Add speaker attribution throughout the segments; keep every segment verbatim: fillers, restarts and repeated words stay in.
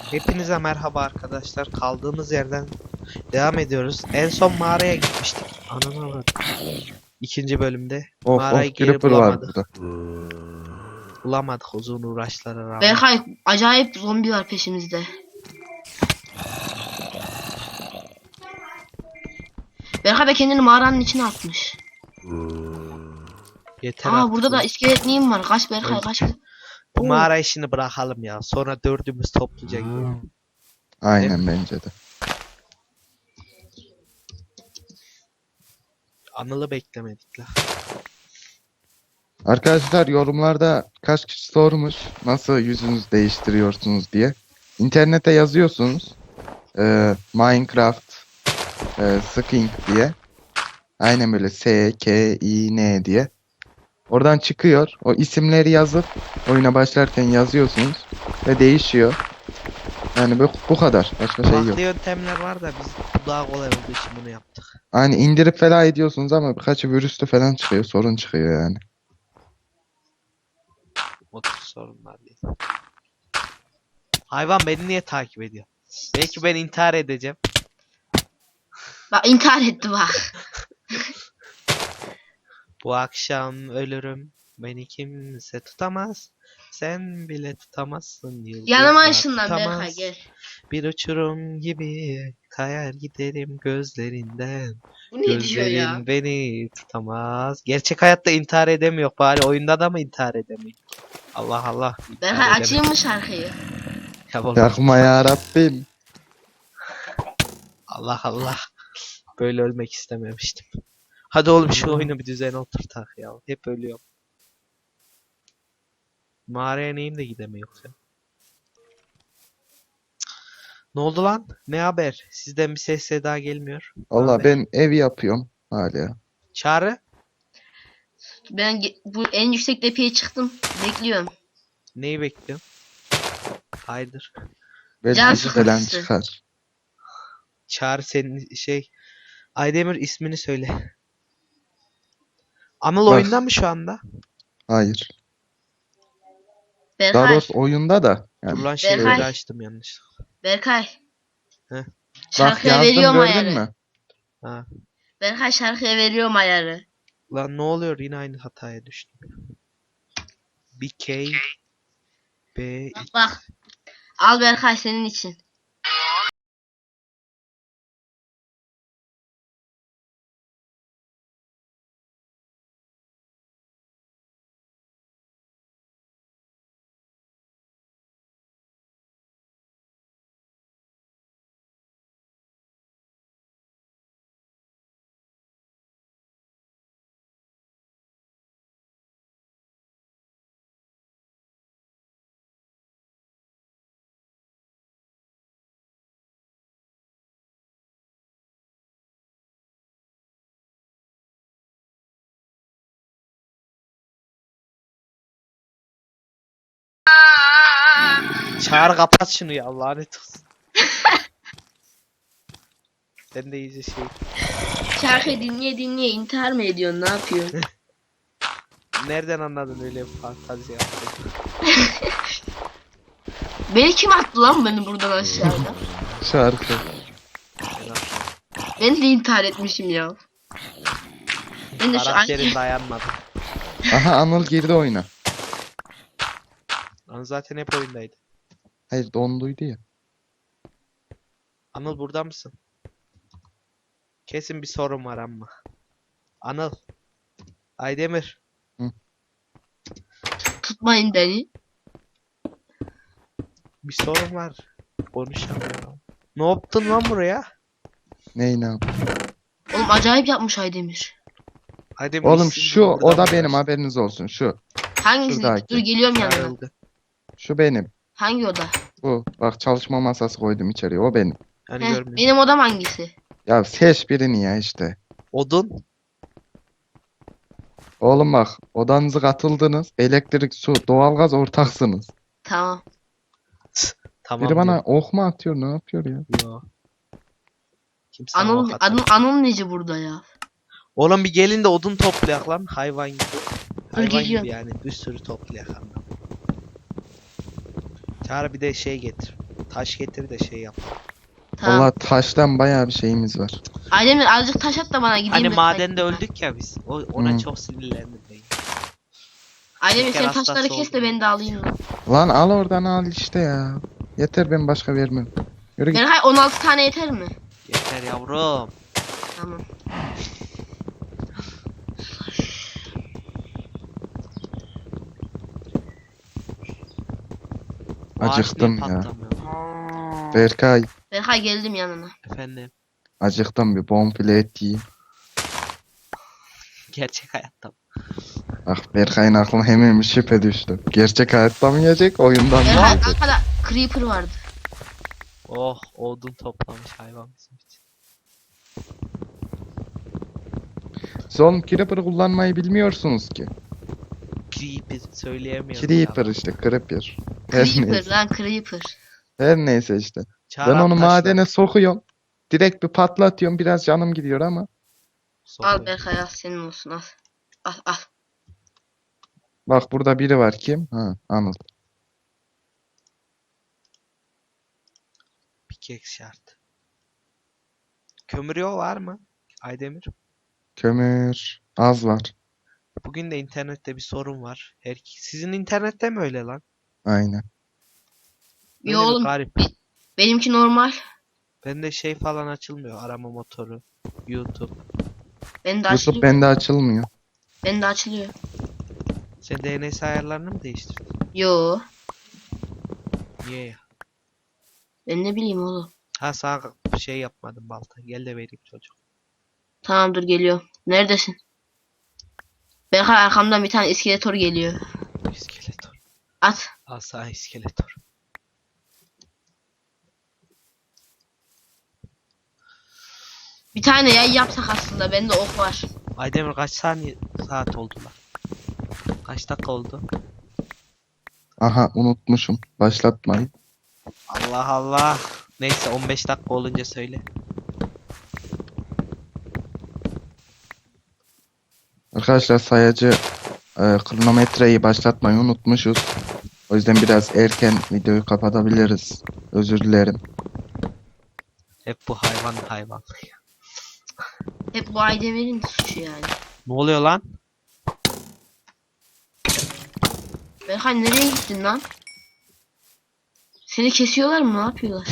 Speaker 1: Hepinize merhaba arkadaşlar. Kaldığımız yerden devam ediyoruz. En son mağaraya gitmiştik. Ananı bak. İkinci bölümde.
Speaker 2: Of
Speaker 1: Mağarayı
Speaker 2: of
Speaker 1: geri
Speaker 2: Creeper var
Speaker 1: bulamadık.
Speaker 2: burada.
Speaker 1: Bulamadık uzun uğraşlara rağmen.
Speaker 3: Berkay acayip zombi var peşimizde. Berkay da kendini mağaranın içine atmış.
Speaker 1: Yeter
Speaker 3: Aa
Speaker 1: artık
Speaker 3: burada da
Speaker 1: lan.
Speaker 3: iskelet neyim var? Kaç Berkay kaç.
Speaker 1: Bu
Speaker 3: Oo.
Speaker 1: mağara işini bırakalım ya. Sonra dördümüz topluca gidelim.
Speaker 2: Aynen bence de.
Speaker 1: Anıl'ı beklemedik la.
Speaker 2: Arkadaşlar yorumlarda kaç kişi sormuş nasıl yüzünüzü değiştiriyorsunuz diye. İnternete yazıyorsunuz. Ee, Minecraft e, Skin diye. Aynen böyle S K I N diye. Oradan çıkıyor. O isimleri yazıp oyuna başlarken yazıyorsunuz ve değişiyor. Yani bu, bu kadar. Başka şey yok.
Speaker 1: Farklı yöntemler var da biz bu daha kolay olduğu için bunu yaptık.
Speaker 2: Hani indirip falan ediyorsunuz ama birkaçı virüslü falan çıkıyor. Sorun çıkıyor yani.
Speaker 1: O tür sorunlar değil. Hayvan beni niye takip ediyor? Belki ben intihar edeceğim.
Speaker 3: Bak intihar etti bak.
Speaker 1: Bu akşam ölürüm. Beni kimse tutamaz. Sen bile tutamazsın. Yıldızlar
Speaker 3: Yanıma ışınlan
Speaker 1: tutamaz.
Speaker 3: Berkay gel.
Speaker 1: Bir uçurum gibi kayar giderim gözlerinden.
Speaker 3: Bu ne diyor
Speaker 1: Gözlerin
Speaker 3: ya?
Speaker 1: beni tutamaz. Gerçek hayatta intihar edemiyor. Bari oyunda da mı intihar edemiyor? Allah Allah. intihar
Speaker 3: Berkay
Speaker 1: edemiyor.
Speaker 3: açayım mı şarkıyı?
Speaker 1: Ya oğlum,
Speaker 2: Yakma ya Rabbim.
Speaker 1: Allah Allah. Böyle ölmek istememiştim. Hadi oğlum şu oyunu bir düzene oturtak ya. Hep ölüyorum. Mağaraya neyim de gidemiyor ya. Ne oldu lan? Ne haber? Sizden bir ses daha gelmiyor. Ne
Speaker 2: Valla
Speaker 1: haber?
Speaker 2: ben ev yapıyorum hala.
Speaker 1: Çağrı?
Speaker 3: Ben ge- bu en yüksek tepeye çıktım. Bekliyorum.
Speaker 1: Neyi bekliyorsun? Hayırdır?
Speaker 2: Belki
Speaker 3: Can
Speaker 2: izi falan
Speaker 3: sıkıntısı.
Speaker 2: çıkar.
Speaker 1: Çağrı senin şey... Aydemir ismini söyle. Anıl
Speaker 2: Bak.
Speaker 1: oyunda mı şu anda?
Speaker 2: Hayır. Daha
Speaker 3: Berkay.
Speaker 2: doğrusu oyunda da.
Speaker 1: Dur
Speaker 2: Yani
Speaker 1: lan şeyleri
Speaker 3: Berkay.
Speaker 1: açtım yanlış.
Speaker 3: Berkay.
Speaker 1: Heh.
Speaker 2: bak
Speaker 3: Şarkıya
Speaker 2: yazdım
Speaker 3: veriyorum
Speaker 2: gördün
Speaker 3: ayarı.
Speaker 2: mü?
Speaker 1: Ha.
Speaker 3: Berkay şarkıya veriyorum ayarı.
Speaker 1: Lan ne oluyor? Yine aynı hataya düştüm. B K B
Speaker 3: Bak bak. Al Berkay senin için.
Speaker 1: Çağrı kapat şunu ya lanet olsun. Sen de iyice şey.
Speaker 3: Şarkıyı dinleye dinleye intihar mı ediyorsun? Ne yapıyorsun?
Speaker 1: Nereden anladın öyle bir fantazi yaptın?
Speaker 3: Beni kim attı lan beni buradan aşağıda?
Speaker 2: Şarkı.
Speaker 1: Ben atladım.
Speaker 3: Ben de intihar etmişim ya. Ben de şu an...
Speaker 1: Karakterin dayanmadı.
Speaker 2: Aha Anıl girdi oyuna.
Speaker 1: Anıl zaten hep oyundaydı.
Speaker 2: Hayır donduydu ya.
Speaker 1: Anıl burada mısın? Kesin bir sorun var ama. Anıl. Aydemir.
Speaker 3: Tutmayın beni.
Speaker 1: Bir sorun var. Konuşamıyorum. Ne yaptın lan buraya?
Speaker 2: Ney ne yap-
Speaker 3: Oğlum acayip yapmış Aydemir.
Speaker 1: Aydemir
Speaker 2: Oğlum
Speaker 1: işsiz
Speaker 2: şu
Speaker 1: burada
Speaker 2: o da
Speaker 1: mı
Speaker 2: benim
Speaker 1: uğraştın?
Speaker 2: haberiniz olsun şu.
Speaker 3: Hangisi?
Speaker 2: Şuradaki.
Speaker 3: Dur geliyorum yanına.
Speaker 1: Çağrıldı.
Speaker 2: Şu benim.
Speaker 3: Hangi oda?
Speaker 2: Bu. Bak çalışma masası koydum içeriye. O benim.
Speaker 1: Hani
Speaker 3: Heh,
Speaker 1: görmüyorum.
Speaker 3: benim odam hangisi?
Speaker 2: Ya seç birini ya işte.
Speaker 1: Odun.
Speaker 2: Oğlum bak odanızı katıldınız. Elektrik, su, doğalgaz ortaksınız.
Speaker 3: Tamam.
Speaker 1: Tamam.
Speaker 2: Biri bana
Speaker 1: diyor.
Speaker 2: ok mu atıyor ne yapıyor ya?
Speaker 1: Yo. Kimse sana
Speaker 3: Anıl,
Speaker 1: ok atmaz.
Speaker 3: Anıl, Anıl neci burada ya?
Speaker 1: Oğlum bir gelin de odun toplayak lan hayvan gibi. Hayvan
Speaker 3: geliyorum.
Speaker 1: gibi yani bir sürü toplayak ama. Çağrı bir de şey getir. Taş getir de şey yap.
Speaker 3: Tamam.
Speaker 2: Valla taştan bayağı bir şeyimiz var.
Speaker 3: Aydemir azıcık taş at da bana gideyim.
Speaker 1: Hani
Speaker 3: ben
Speaker 1: madende
Speaker 3: taş-
Speaker 1: öldük ya biz. O, ona
Speaker 2: Hı.
Speaker 1: çok sinirlendim ben.
Speaker 3: Aydemir
Speaker 1: Şeker
Speaker 3: sen taşları
Speaker 1: hastası
Speaker 3: kes de
Speaker 1: oldum.
Speaker 3: ben de alayım lan.
Speaker 2: Lan al oradan al işte ya. Yeter, ben başka vermem. Yürü git.
Speaker 3: Berkay on altı tane yeter mi?
Speaker 1: Yeter yavrum.
Speaker 3: Tamam.
Speaker 1: Ağaç
Speaker 2: Acıktım
Speaker 1: niye
Speaker 2: ya.
Speaker 1: patlamıyor?
Speaker 2: Berkay,
Speaker 3: Berkay geldim yanına.
Speaker 1: Efendim.
Speaker 2: acıktım, bir bonfile et yiyeyim.
Speaker 1: Gerçek hayatta.
Speaker 2: Bak Berkay'ın aklına hemen bir şüphe düştü. Gerçek hayatta mı yiyecek, oyundan mı
Speaker 3: Berkay
Speaker 2: yiyecek?
Speaker 3: arkada creeper vardı.
Speaker 1: Oh, odun toplamış hayvan bizim için.
Speaker 2: Siz oğlum Creeper'ı kullanmayı bilmiyorsunuz ki.
Speaker 1: Creeper söyleyemiyorum.
Speaker 2: Creeper
Speaker 1: ya.
Speaker 2: işte, Creeper. Her
Speaker 3: Creeper
Speaker 2: neyse.
Speaker 3: lan creeper.
Speaker 2: Her neyse işte.
Speaker 1: Çağır
Speaker 2: Ben onu
Speaker 1: taşlar.
Speaker 2: madene sokuyorum. Direkt bir patlatıyorum, biraz canım gidiyor ama.
Speaker 1: Sokuyor.
Speaker 3: Al Berkay al senin olsun al. Al al.
Speaker 2: Bak burada biri var, kim? Ha, Anıl.
Speaker 1: Pickaxe şart. Kömür yol var mı? Aydemir.
Speaker 2: Kömür az var.
Speaker 1: Bugün de internette bir sorun var. Her sizin internette mi öyle lan?
Speaker 2: Aynen.
Speaker 1: Öyle
Speaker 3: Yo
Speaker 1: bir
Speaker 3: oğlum
Speaker 1: garip.
Speaker 3: benimki normal.
Speaker 1: Bende şey falan açılmıyor. Arama motoru. YouTube.
Speaker 3: Ben de
Speaker 2: YouTube
Speaker 3: açılıyor.
Speaker 2: bende açılmıyor.
Speaker 3: Ben de açılıyor.
Speaker 1: Sen D N S ayarlarını mı değiştirdin?
Speaker 3: Yo.
Speaker 1: Niye ya?
Speaker 3: Ben ne bileyim oğlum.
Speaker 1: Ha sağ şey yapmadım balta. Gel de vereyim çocuk.
Speaker 3: Tamam dur geliyorum. Neredesin? Berkay arkamdan bir tane iskeletor geliyor.
Speaker 1: İskeletor.
Speaker 3: At.
Speaker 1: Al sağ iskeletor.
Speaker 3: Bir tane yay yapsak aslında. Bende ok var.
Speaker 1: Aydemir kaç saniye saat oldu lan? Kaç dakika oldu?
Speaker 2: Aha, unutmuşum. Başlatmayın.
Speaker 1: Allah Allah. Neyse on beş dakika olunca söyle.
Speaker 2: Arkadaşlar sayacı e, kronometreyi başlatmayı unutmuşuz. O yüzden biraz erken videoyu kapatabiliriz. Özür dilerim.
Speaker 1: Hep bu hayvan hayvan.
Speaker 3: Hep bu Aydemir'in suçu yani.
Speaker 1: Ne oluyor lan?
Speaker 3: Berkay nereye gittin lan? Seni kesiyorlar mı? Ne yapıyorlar?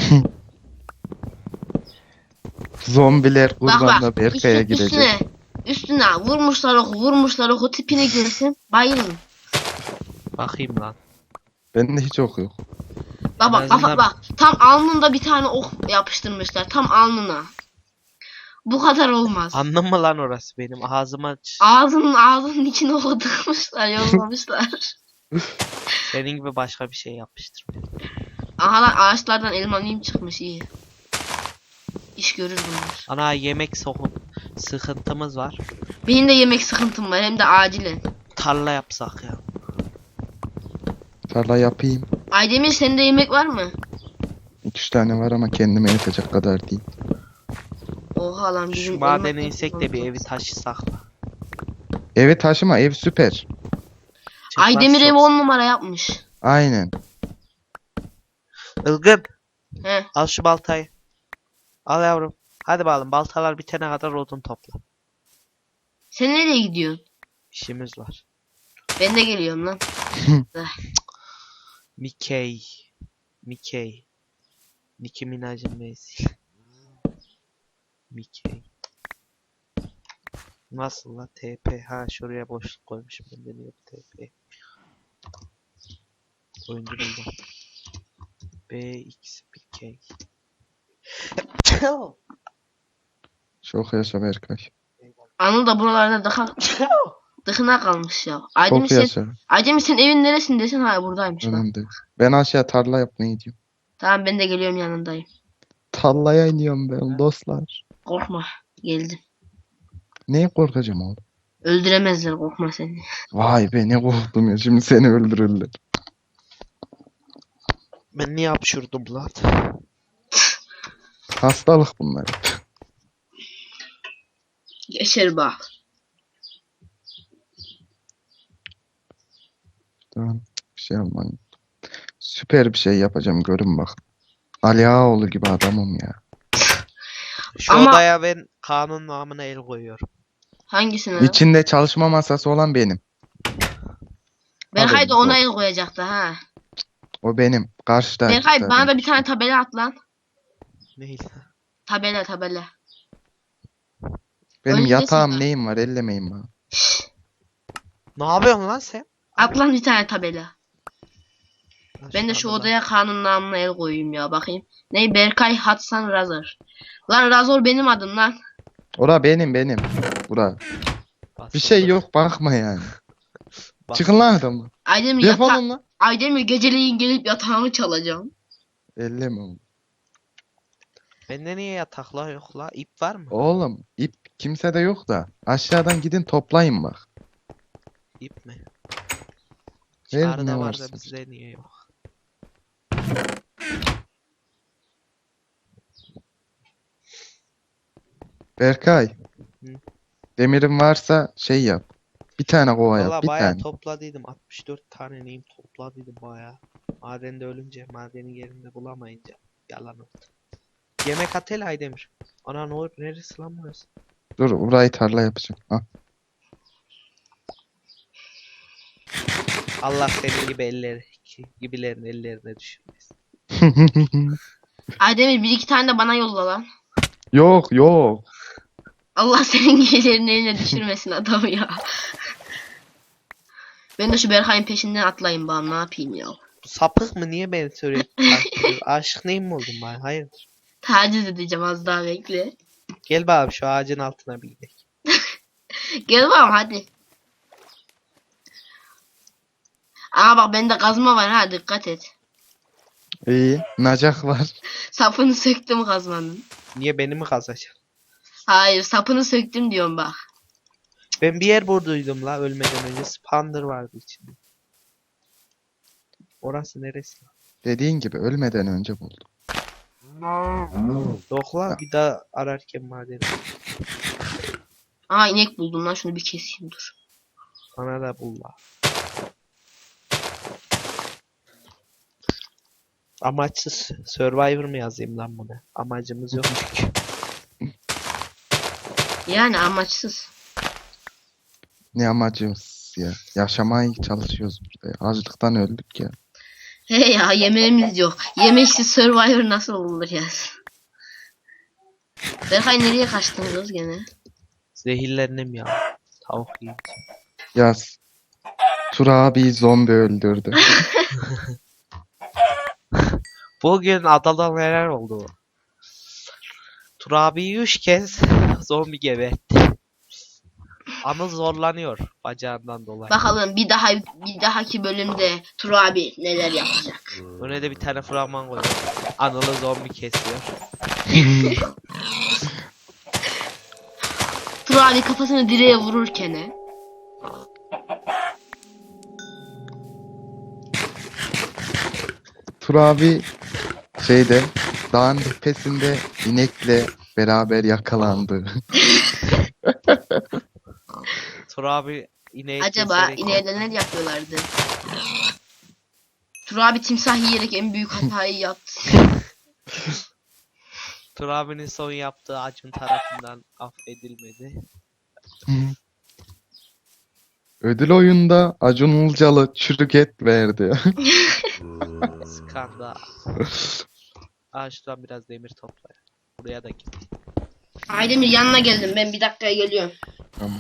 Speaker 2: Zombiler
Speaker 3: Bak
Speaker 2: kurbanla
Speaker 3: bak.
Speaker 2: Berkay'a
Speaker 3: Üstüne,
Speaker 2: girecek.
Speaker 3: üstüne. Üstüne vurmuşlar oku vurmuşlar oku tipini görsen bayılın.
Speaker 1: Bakayım lan.
Speaker 2: Bende hiç ok yok.
Speaker 3: Bak bak
Speaker 1: En
Speaker 3: bak
Speaker 1: azından-
Speaker 3: bak. Tam alnında bir tane ok yapıştırmışlar. Tam alnına. Bu kadar olmaz.
Speaker 1: Anladın mı lan orası benim ağzıma ç-
Speaker 3: Ağzının ağzının içine ok tıkmışlar yollamışlar.
Speaker 1: senin gibi başka bir şey yapmıştır.
Speaker 3: Aha lan ağaçlardan elmalıyım çıkmış iyi. İş görür bunlar.
Speaker 1: Ana yemek sokun sıkıntımız var.
Speaker 3: Benim de yemek sıkıntım var hem de acilen.
Speaker 1: Tarla yapsak ya.
Speaker 2: Tarla yapayım.
Speaker 3: Aydemir sende yemek var mı?
Speaker 2: iki üç tane var ama kendime yetecek kadar değil.
Speaker 3: Oha lan bizim
Speaker 1: Şu madene
Speaker 3: elma-
Speaker 1: insek de bir evi taşısak.
Speaker 2: Evi taşıma, ev süper.
Speaker 1: Çıkmaz
Speaker 3: Aydemir
Speaker 1: çok-
Speaker 3: evi on numara yapmış.
Speaker 2: Aynen.
Speaker 1: Ilgın
Speaker 3: He.
Speaker 1: al şu baltayı. Al yavrum. Hadi bakalım baltalar bitene kadar odun topla.
Speaker 3: Sen nereye gidiyorsun?
Speaker 1: İşimiz var.
Speaker 3: Ben de geliyorum lan.
Speaker 1: Mickey. Mickey. Nicki Minaj'ın meysi. Mickey. Nasıl la T P? Ha şuraya boşluk koymuşum. Ben de niye bu T P? Oyuncu buldum. B X Mickey.
Speaker 2: Çok yaşa Berkay.
Speaker 3: Anıl da buralarda dıka, dıkına kalmış ya. Aydemir
Speaker 2: Çok
Speaker 3: sen,
Speaker 2: yaşa.
Speaker 3: Aydemir sen evin neresindesin? Ha buradaymış bak.
Speaker 2: Önemli değil. Ben aşağı tarla yapmaya gidiyorum.
Speaker 3: Tamam ben de geliyorum yanındayım.
Speaker 2: Tarlaya iniyorum ben dostlar.
Speaker 3: Korkma. Geldim.
Speaker 2: Neye korkacağım oğlum?
Speaker 3: Öldüremezler korkma seni.
Speaker 2: Vay be, ne korktum ya, şimdi seni öldürürler.
Speaker 1: Ben niye hapşurdum lan?
Speaker 2: Hastalık bunlar.
Speaker 3: Geçer bak.
Speaker 2: Tamam, bir şey yapmayın. Süper bir şey yapacağım, görün bak. Ali Ağaoğlu gibi adamım ya.
Speaker 1: Şu
Speaker 3: Ama-
Speaker 1: odaya ben kanun namına el koyuyorum.
Speaker 3: Hangisine?
Speaker 2: İçinde çalışma masası olan benim.
Speaker 3: Berkay da
Speaker 2: haberiniz
Speaker 3: ona
Speaker 2: olsun.
Speaker 3: el koyacaktı ha.
Speaker 2: O benim. Karşıda.
Speaker 3: Berkay
Speaker 2: zaten.
Speaker 3: bana da bir tane tabela at lan.
Speaker 1: Neyse.
Speaker 3: Tabela tabela.
Speaker 2: Benim
Speaker 3: Öncesin
Speaker 2: yatağım
Speaker 3: ben.
Speaker 2: neyim var ellemeyin bana.
Speaker 1: Ne yapıyorsun lan sen?
Speaker 3: At lan bir tane tabela.
Speaker 1: Lan
Speaker 3: Ben de şu
Speaker 1: anda
Speaker 3: odaya kanun namına el koyayım ya bakayım. Ne Berkay Hatsan Razor. Lan Razor benim adım lan.
Speaker 2: Ora benim benim. Bura.
Speaker 1: bak-
Speaker 2: Bir şey
Speaker 1: basıldı.
Speaker 2: yok bakma yani.
Speaker 1: Bak-
Speaker 2: Çıkın lan adamı.
Speaker 3: Aydemir yata
Speaker 2: Defolun lan.
Speaker 3: Aydemir geceleyin gelip yatağımı çalacağım.
Speaker 2: Elleme oğlum.
Speaker 1: Bende niye yataklar yok la? İp var mı?
Speaker 2: Oğlum ip kimsede yok da. Aşağıdan gidin toplayın bak.
Speaker 1: İp mi?
Speaker 2: Ver
Speaker 1: Çağrıda
Speaker 2: ne
Speaker 1: var
Speaker 2: varsa.
Speaker 1: da bizde niye yok?
Speaker 2: Berkay.
Speaker 1: Hı.
Speaker 2: Demirin varsa şey yap. Bir tane kova
Speaker 1: Valla
Speaker 2: yap. Bir
Speaker 1: bayağı
Speaker 2: tane.
Speaker 1: topladıydım. altmış dört tane neyim topladıydım bayağı. Madende ölünce, madenin yerinde bulamayınca yalan oldu. Yemek at hele Aydemir. Ana ne olur neresi lan burası?
Speaker 2: Dur burayı tarla yapacağım. Ha.
Speaker 1: Allah senin gibi elleri gibilerin ellerine düşürmesin.
Speaker 3: Aydemir bir iki tane de bana yolla lan.
Speaker 2: Yok yok.
Speaker 3: Allah senin gecelerin eline düşürmesin adamı ya. Ben de şu Berkay'ın peşinden atlayayım bana ne yapayım ya.
Speaker 1: Bu sapık mı? Niye beni sürekli takip ediyor? Aşık neyim mi oldum ben? Hayırdır?
Speaker 3: Taciz edeceğim az daha bekle.
Speaker 1: Gel bakalım şu ağacın altına bir gidelim.
Speaker 3: Gel bakalım hadi. Ama bak bende kazma var ha dikkat et.
Speaker 2: İyi. Nacak var.
Speaker 3: Sapını söktüm kazmanın.
Speaker 1: Niye beni mi kazacaksın?
Speaker 3: Hayır sapını söktüm diyorum bak.
Speaker 1: Ben bir yer burduydum la ölmeden önce. Spander vardı içinde. Orası neresi?
Speaker 2: Dediğin gibi ölmeden önce buldum.
Speaker 1: Yok la bir daha ararken madeni.
Speaker 3: Aa inek buldum lan şunu bir keseyim dur.
Speaker 1: Bana da bul la. Amaçsız Survivor mı yazayım lan buna? Amacımız yok çünkü.
Speaker 3: Yani amaçsız.
Speaker 2: Ne amacımız ya. Yaşamaya çalışıyoruz burada ya. Açlıktan öldük ya.
Speaker 3: He ya yemeğimiz yok. Yemeksiz Survivor nasıl olur ya? Berkay nereye kaçtın kız gene?
Speaker 1: Zehirlendim ya. Tavuk yiyeyim.
Speaker 2: Yaz. Tur abi zombi öldürdü.
Speaker 1: Bugün adada neler oldu? Tur abi üç kez zombi gebertti. Anıl zorlanıyor bacağından dolayı.
Speaker 3: Bakalım bir daha bir dahaki bölümde Tur abi neler yapacak.
Speaker 1: Öne de bir tane fragman koyuyor. Anıl'ı zombi kesiyor.
Speaker 3: Tur abi kafasını direğe vururken he.
Speaker 2: Tur abi şeyde dağın tepesinde inekle beraber yakalandı.
Speaker 1: Tur abi ineği
Speaker 3: Acaba
Speaker 1: keserek-
Speaker 3: ineğe neler yapıyorlardı? Tur abi timsah yiyerek en büyük hatayı yaptı.
Speaker 1: Tur abinin son yaptığı Acun tarafından affedilmedi.
Speaker 2: Ödül oyunda Acun Ilıcalı çürük et verdi.
Speaker 1: Skandal. Aa şuradan biraz demir topla. Buraya da git.
Speaker 3: Aydemir yanına geldim ben bir dakikaya geliyorum.
Speaker 2: Tamam.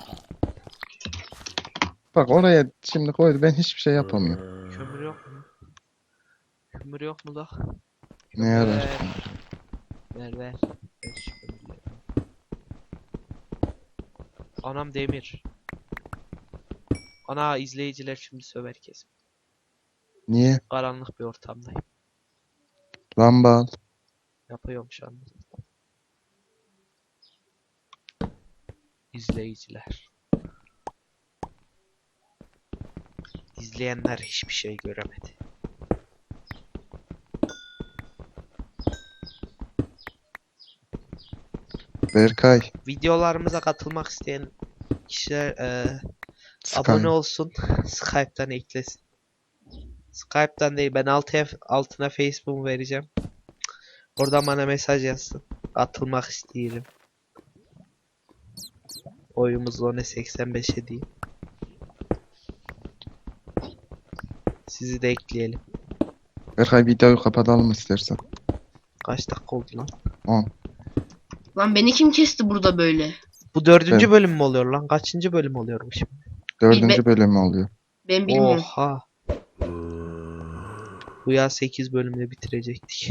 Speaker 2: Bak oraya şimdi koydu ben hiçbir şey yapamıyorum.
Speaker 1: Kömür yok mu? Kömür yok mu da?
Speaker 2: Ne yarar?
Speaker 1: Ver. Ver ver. Ver şu kömürleri. Anam demir. Ana izleyiciler şimdi söver kesin.
Speaker 2: Niye?
Speaker 1: Karanlık bir ortamdayım.
Speaker 2: Lamba al.
Speaker 1: Yapıyorum şu anda. İzleyiciler. İzleyenler hiçbir şey göremedi.
Speaker 2: Berkay.
Speaker 1: Videolarımıza katılmak isteyen kişiler eee
Speaker 2: Sky.
Speaker 1: abone olsun. Skype'tan eklesin. Skype'tan değil ben altına, altına Facebook vereceğim. Oradan bana mesaj yazsın. Atılmak isteyelim. Oyumuz Zone seksen beşe değil. Sizi de ekleyelim.
Speaker 2: Berkay videoyu kapatalım istersen.
Speaker 1: Kaç dakika oldu lan?
Speaker 2: on.
Speaker 3: Lan beni kim kesti burada böyle?
Speaker 1: Bu dördüncü
Speaker 2: Evet.
Speaker 1: bölüm mü oluyor lan? Kaçıncı bölüm oluyor bu şimdi?
Speaker 2: Dördüncü bölümü oluyor.
Speaker 3: Ben bilmiyorum.
Speaker 1: Oha. Bu ya sekiz bölümde bitirecektik.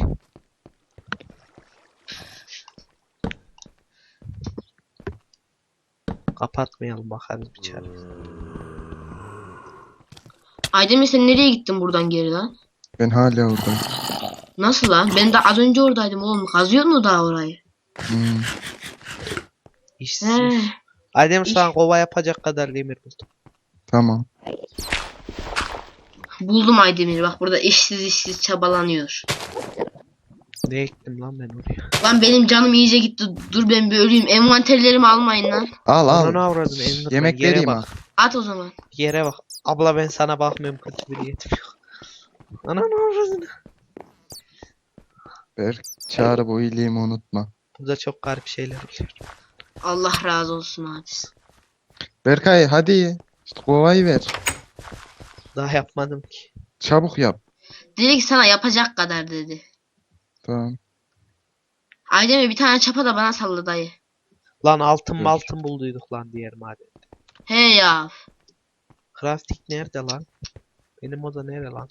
Speaker 1: Kapatmayalım, bakarız bir çare.
Speaker 3: Aydemir sen nereye gittin buradan geri lan?
Speaker 2: Ben hala oradayım.
Speaker 3: Nasıl lan? Ben de az önce oradaydım oğlum. Kazıyor mu daha orayı?
Speaker 2: Hmm.
Speaker 1: İşsiz.
Speaker 3: He.
Speaker 1: Adem şu an
Speaker 3: İş-
Speaker 1: kova yapacak kadar demir buldum.
Speaker 2: Tamam.
Speaker 3: Buldum Aydemir. Bak burada işsiz işsiz çabalanıyor.
Speaker 1: Ne ektim lan ben oraya?
Speaker 3: Lan benim canım iyice gitti. Dur ben bir öleyim. Envanterlerimi almayın lan.
Speaker 2: Al al.
Speaker 1: Ananı avradın Enderman.
Speaker 2: Yemek
Speaker 1: Yere
Speaker 2: vereyim
Speaker 1: bak.
Speaker 2: ha.
Speaker 3: At o zaman.
Speaker 1: Yere bak. Abla ben sana bakmıyorum, kötü bir niyetim yok. Ananı avradın.
Speaker 2: Berk çağrı bu iyiliğimi unutma.
Speaker 1: Burada çok garip şeyler oluyor.
Speaker 3: Allah razı olsun abi.
Speaker 2: Berkay hadi. İşte kovayı ver.
Speaker 1: Daha yapmadım ki.
Speaker 2: Çabuk yap.
Speaker 3: Dedi ki sana yapacak kadar dedi.
Speaker 2: Tamam.
Speaker 3: Aydemir bir tane çapa da bana salla dayı.
Speaker 1: Lan altın
Speaker 2: Dur.
Speaker 1: maltın bulduyduk lan diğer maden.
Speaker 3: He ya.
Speaker 1: Crafting nerede lan? Benim oda nere lan?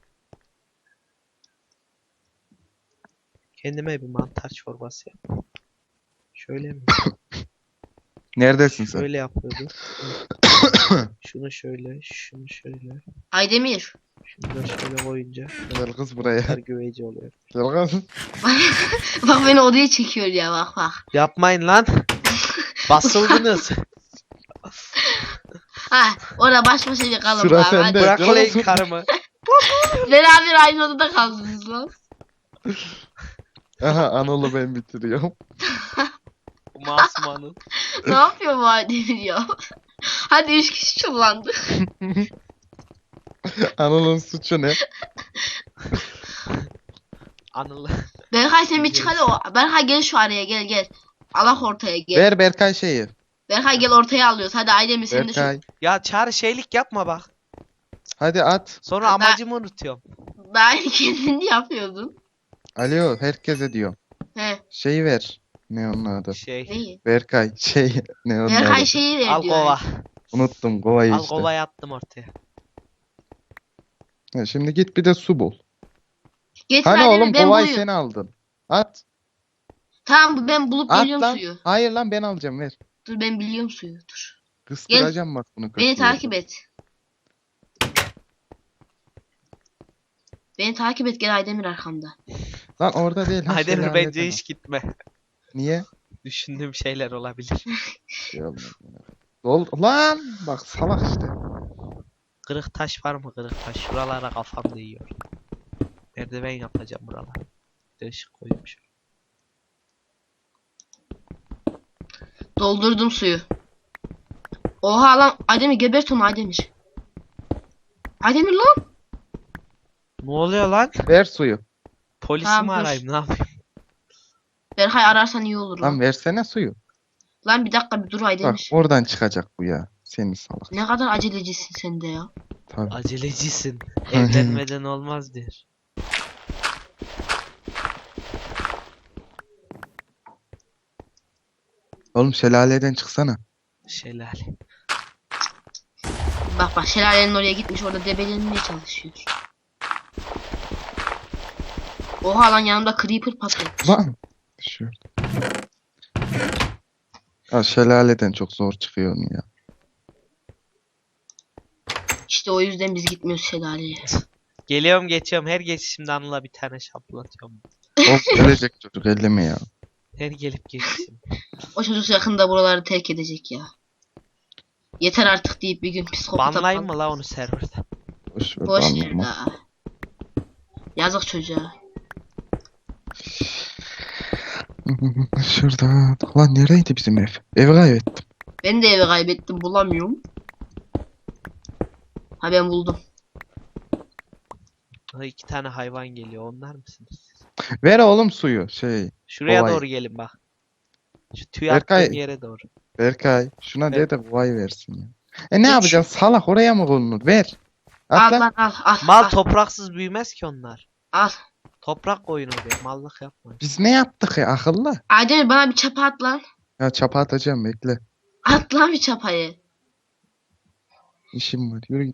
Speaker 1: Kendime bir mantar çorbası yap. Şöyle mi?
Speaker 2: Neredesin sen?
Speaker 1: Şöyle yapıyordu. Şunu şöyle, şunu şöyle.
Speaker 3: Aydemir.
Speaker 1: Şunu da şöyle koyunca
Speaker 2: Gel kız buraya.
Speaker 1: her güveci oluyor.
Speaker 2: Gel kız.
Speaker 3: Bak beni odaya çekiyor ya bak bak.
Speaker 1: Yapmayın lan. Basıldınız.
Speaker 3: Ha orada baş başa bir kalın
Speaker 2: Sıra
Speaker 3: bari.
Speaker 2: sende.
Speaker 3: Hadi.
Speaker 1: Bırak
Speaker 2: Yalan
Speaker 1: lan
Speaker 2: söyle.
Speaker 1: karımı.
Speaker 3: Beraber aynı odada kaldınız lan.
Speaker 2: Aha Anıl'ı ben bitiriyorum.
Speaker 1: Masmanın.
Speaker 3: Ne yapıyor bu Aydemir ya? Hadi üç kişi çullandık.
Speaker 2: Anıl'ın suçu ne?
Speaker 1: Anıl.
Speaker 3: Berkay sen bir çık hadi o. Berkay gel şu araya gel gel. Allah ortaya gel.
Speaker 2: Ver Berkay şeyi.
Speaker 3: Berkay gel ortaya alıyoruz. Hadi Aydemir sen de şu.
Speaker 2: Berkay.
Speaker 1: Ya Çağrı şeylik yapma bak.
Speaker 2: Hadi at.
Speaker 1: Sonra
Speaker 3: Ben-
Speaker 1: amacımı unutuyorum.
Speaker 3: Daha iyi kendini yapıyordun.
Speaker 2: Alo herkese diyor.
Speaker 3: He.
Speaker 2: Şeyi ver. Ne onun adı?
Speaker 1: Şey.
Speaker 3: Neyi?
Speaker 2: Berkay şey ne onun
Speaker 3: Berkay
Speaker 2: adı?
Speaker 3: şeyi ver
Speaker 1: Al
Speaker 3: diyor.
Speaker 1: kova.
Speaker 2: Unuttum kovayı
Speaker 1: Al
Speaker 2: işte.
Speaker 1: kovayı attım ortaya.
Speaker 2: Ha, şimdi git bir de su bul.
Speaker 3: Getir
Speaker 2: Hani
Speaker 3: Aydemir
Speaker 2: oğlum
Speaker 3: ben
Speaker 2: kovayı
Speaker 3: buluyorum.
Speaker 2: sen aldın. At.
Speaker 3: Tamam ben bulup
Speaker 2: At
Speaker 3: geliyorum
Speaker 2: lan.
Speaker 3: suyu.
Speaker 2: Hayır lan ben alacağım ver.
Speaker 3: Dur ben biliyorum suyu dur.
Speaker 2: Kıstıracağım bak bunu.
Speaker 3: Beni
Speaker 2: kötüye.
Speaker 3: takip et. Beni takip et gel Aydemir arkamda.
Speaker 2: Lan orada değil. ha,
Speaker 1: Aydemir
Speaker 2: şelalede
Speaker 1: bence
Speaker 2: bak.
Speaker 1: hiç gitme.
Speaker 2: Niye?
Speaker 1: Düşündüğüm şeyler olabilir.
Speaker 2: Şey olmaz. Dol lan bak salak işte.
Speaker 1: Kırık taş var mı kırık taş? Şuralara kafam değiyor. Merdiven yapacağım buralara. Bir de ışık koymuş.
Speaker 3: Doldurdum suyu. Oha lan Aydemir gebert onu Aydemir. Aydemir lan.
Speaker 1: Ne oluyor lan?
Speaker 2: Ver suyu.
Speaker 1: Polisi
Speaker 3: Tamam,
Speaker 1: mi
Speaker 3: dur.
Speaker 1: arayayım, ne yapayım?
Speaker 3: Berkay ararsan iyi olur lan.
Speaker 2: Lan versene suyu.
Speaker 3: Lan bir dakika bir dur
Speaker 2: Bak
Speaker 3: Aydemir.
Speaker 2: oradan çıkacak bu ya. Seni salak.
Speaker 3: Ne kadar acelecisin sen de ya.
Speaker 2: Tabii.
Speaker 1: Acelecisin. Evlenmeden olmaz der.
Speaker 2: Oğlum şelaleden çıksana.
Speaker 1: Şelale.
Speaker 3: Bak bak şelalenin oraya gitmiş orada debelenmeye çalışıyor. Oha lan yanımda creeper patlıyor.
Speaker 2: Lan. Düşüyor. Ya şelaleden çok zor çıkıyor onu ya.
Speaker 3: İşte o yüzden biz gitmiyoruz şelaleye.
Speaker 1: Geliyorum geçiyorum. Her geçişimde Anıl'a bir tane şaplatıyorum.
Speaker 2: O gelecek çocuk elleme ya.
Speaker 1: Her gelip geçişim.
Speaker 3: O çocuk yakında buraları terk edecek ya. Yeter artık deyip bir gün psikopata
Speaker 1: Banlayayım mı la onu serverda?
Speaker 2: Boş ver
Speaker 3: Boş ver
Speaker 2: banlama.
Speaker 3: daha. Yazık çocuğa.
Speaker 2: Şurada. Lan nereydi bizim ev? Evi kaybettim.
Speaker 3: Ben de evi kaybettim bulamıyorum. Ha ben buldum.
Speaker 1: Ha, iki tane hayvan geliyor. Onlar mısınız siz?
Speaker 2: Ver oğlum suyu. Şey.
Speaker 1: Şuraya
Speaker 2: Kovayı.
Speaker 1: doğru gelin bak. Şu tüy
Speaker 2: Berkay-
Speaker 1: attığım yere doğru.
Speaker 2: Berkay şuna
Speaker 1: Ver.
Speaker 2: de de kovayı versin ya. E ne
Speaker 3: Üç.
Speaker 2: yapacaksın? Salak oraya mı konulur? Ver.
Speaker 3: Al
Speaker 2: At lan.
Speaker 3: lan al al.
Speaker 1: Mal
Speaker 3: al,
Speaker 1: topraksız büyümez ki onlar.
Speaker 3: al.
Speaker 1: Toprak koyun oraya. Mallık yapma.
Speaker 2: Biz ne yaptık ya akıllı?
Speaker 3: Aydemir bana bir çapa at lan.
Speaker 2: Ya çapa atacağım bekle.
Speaker 3: At lan bir çapayı.
Speaker 2: İşim var. Yürü git.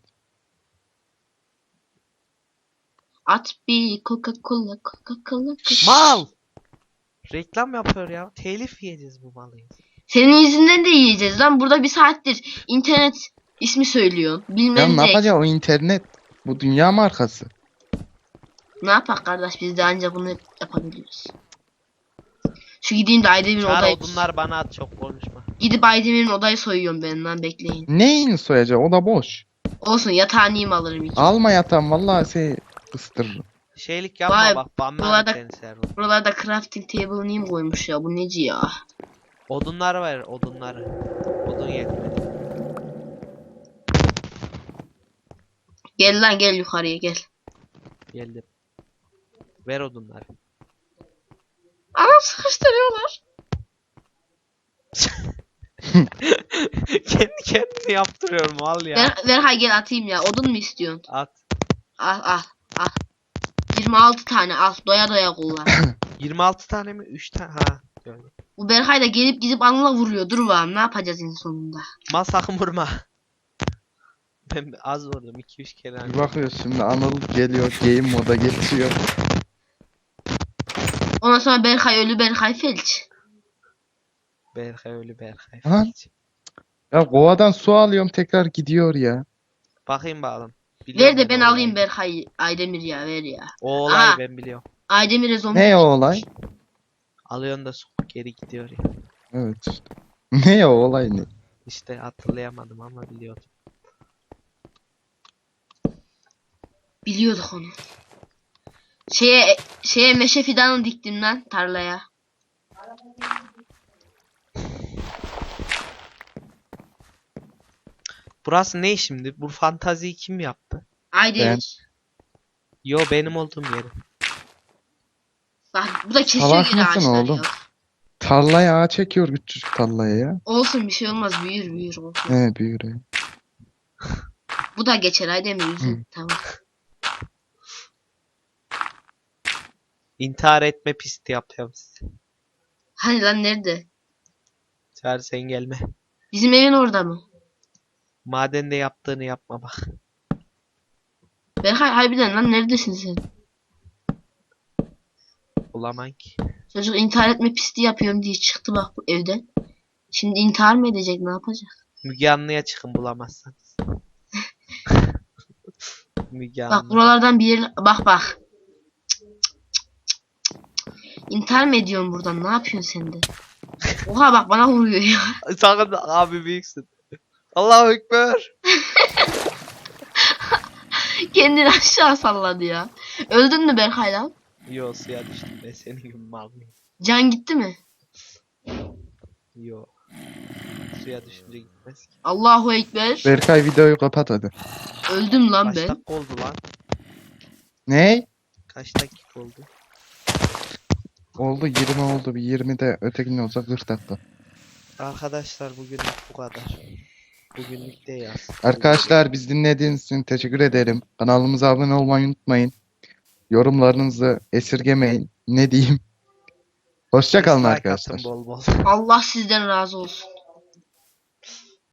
Speaker 3: At bir Coca-Cola Coca-Cola. Coca-
Speaker 1: Mal! Reklam yapıyor ya. Telif yiyeceğiz bu malı.
Speaker 3: Senin yüzünden de yiyeceğiz lan. Burada bir saattir internet ismi söylüyor.
Speaker 2: Ya
Speaker 3: Bilmem
Speaker 2: ne
Speaker 3: ne.
Speaker 2: yapacağız o internet? Bu dünya markası.
Speaker 3: Ne yapak kardeş biz de ancak bunu yapabiliyoruz. Şu gideyim de Aydemir'in
Speaker 1: Çağır
Speaker 3: odayı...
Speaker 1: odunlar bana at, çok konuşma.
Speaker 3: Gidip Aydemir'in odayı soyuyorum ben lan, bekleyin.
Speaker 2: Neyini soyacak? O da boş.
Speaker 3: Olsun yatağını yiyeyim alırım iki.
Speaker 2: Alma yatan vallahi şey ıstırırım.
Speaker 1: Şeylik yapma
Speaker 3: Vay,
Speaker 1: bak. Banlar
Speaker 3: buralarda-
Speaker 1: seni server.
Speaker 3: Buralarda crafting table neyim koymuş ya, bu neci ya.
Speaker 1: Odunlar var, odunları. Odun yetmedi.
Speaker 3: Gel lan gel yukarıya gel.
Speaker 1: Geldim. Ver odunları.
Speaker 3: Anam sıkıştırıyorlar.
Speaker 1: Kendi kendini yaptırıyorum mal ya.
Speaker 3: Ver, ver hay gel atayım ya, odun mu istiyorsun?
Speaker 1: At.
Speaker 3: Al al al. yirmi altı tane al, doya doya kullan.
Speaker 1: yirmi altı tane mi? üç tane. Ha. Gördüm.
Speaker 3: Bu Berkay da gelip gidip anla vuruyor. Dur bakalım ne yapacağız en sonunda.
Speaker 1: Mal sakın vurma. Ben az vurdum. iki üç kere.
Speaker 2: Bir
Speaker 1: hani.
Speaker 2: bakıyoruz şimdi Anıl geliyor game moda geçiyor.
Speaker 3: Ondan sonra Berkay ölü, Berkay felç.
Speaker 1: Berkay ölü Berkay.
Speaker 2: Lan.
Speaker 1: felç.
Speaker 2: Ya kovadan su alıyorum tekrar gidiyor ya.
Speaker 1: Bakayım bakalım.
Speaker 3: Ver
Speaker 1: Biliyorum
Speaker 3: de ben
Speaker 1: o
Speaker 3: alayım
Speaker 1: olayı.
Speaker 3: Berkay. Aydemir ya ver ya.
Speaker 1: O olayı
Speaker 3: Aha.
Speaker 1: ben biliyorum.
Speaker 3: Aydemir'e zombi.
Speaker 2: Ne o olay?
Speaker 1: Alıyorsun da su geri gidiyor ya.
Speaker 2: Evet işte. Ne o olay ne?
Speaker 1: İşte hatırlayamadım ama biliyordum.
Speaker 3: Biliyorduk onu. Şeye şeye meşe fidanı diktim lan tarlaya.
Speaker 1: Burası ne şimdi? Bu fantaziyi kim yaptı?
Speaker 3: Aydemir.
Speaker 1: Yo, benim olduğum yerim.
Speaker 3: Bak bu da kesiyor
Speaker 2: Salak
Speaker 3: gene
Speaker 2: mısın
Speaker 3: ağaçları
Speaker 2: oğlum?
Speaker 3: ya.
Speaker 2: Tarlaya ağa çekiyor küçücük tarlaya ya.
Speaker 3: Olsun bir şey olmaz, büyür büyür olsun.
Speaker 2: He büyür ya.
Speaker 3: Bu da geçer Aydemir yüzün.
Speaker 2: Hı.
Speaker 3: Tamam.
Speaker 1: İntihar etme pisti yapıyorum size.
Speaker 3: Hani lan nerede?
Speaker 1: Çağır sen gelme.
Speaker 3: Bizim evin orada mı?
Speaker 1: Madende yaptığını yapma bak.
Speaker 3: Berkay harbiden lan neredesin sen?
Speaker 1: Bulamam ki.
Speaker 3: Çocuk intihar etme pisti yapıyorum diye çıktı bak bu evden. Şimdi intihar mı edecek, ne yapacak?
Speaker 1: Müge Anlı'ya çıkın bulamazsanız. Müge
Speaker 3: Bak
Speaker 1: Anlı.
Speaker 3: buralardan bir yer... Bak bak. İntihar mı ediyorsun buradan? Ne yapıyorsun sen de? Oha bak bana vuruyor ya.
Speaker 1: Sakın abi büyüksün. Allahu Ekber.
Speaker 3: Kendini aşağı salladı ya. Öldün mü Berkay lan?
Speaker 1: Yo, suya düştüm ben senin gibi mal mıyım?
Speaker 3: Can gitti mi?
Speaker 1: Yo. Suya düşünce gitmez ki.
Speaker 3: Allahu Ekber.
Speaker 2: Berkay videoyu kapat hadi.
Speaker 3: Öldüm lan
Speaker 1: Kaç
Speaker 3: ben.
Speaker 1: dakika oldu lan?
Speaker 2: Ne?
Speaker 1: Kaç dakika oldu?
Speaker 2: Oldu yirmi oldu. Bir yirmi de ötekinin olsa kırk dakika.
Speaker 1: Arkadaşlar bugünlük bu kadar. Bugünlük de yaz.
Speaker 2: Arkadaşlar biz dinlediğiniz için teşekkür ederim. Kanalımıza abone olmayı unutmayın. Yorumlarınızı esirgemeyin. Ne diyeyim? Hoşça kalın
Speaker 1: Dislike
Speaker 2: arkadaşlar.
Speaker 1: atın bol bol.
Speaker 3: Allah sizden razı olsun.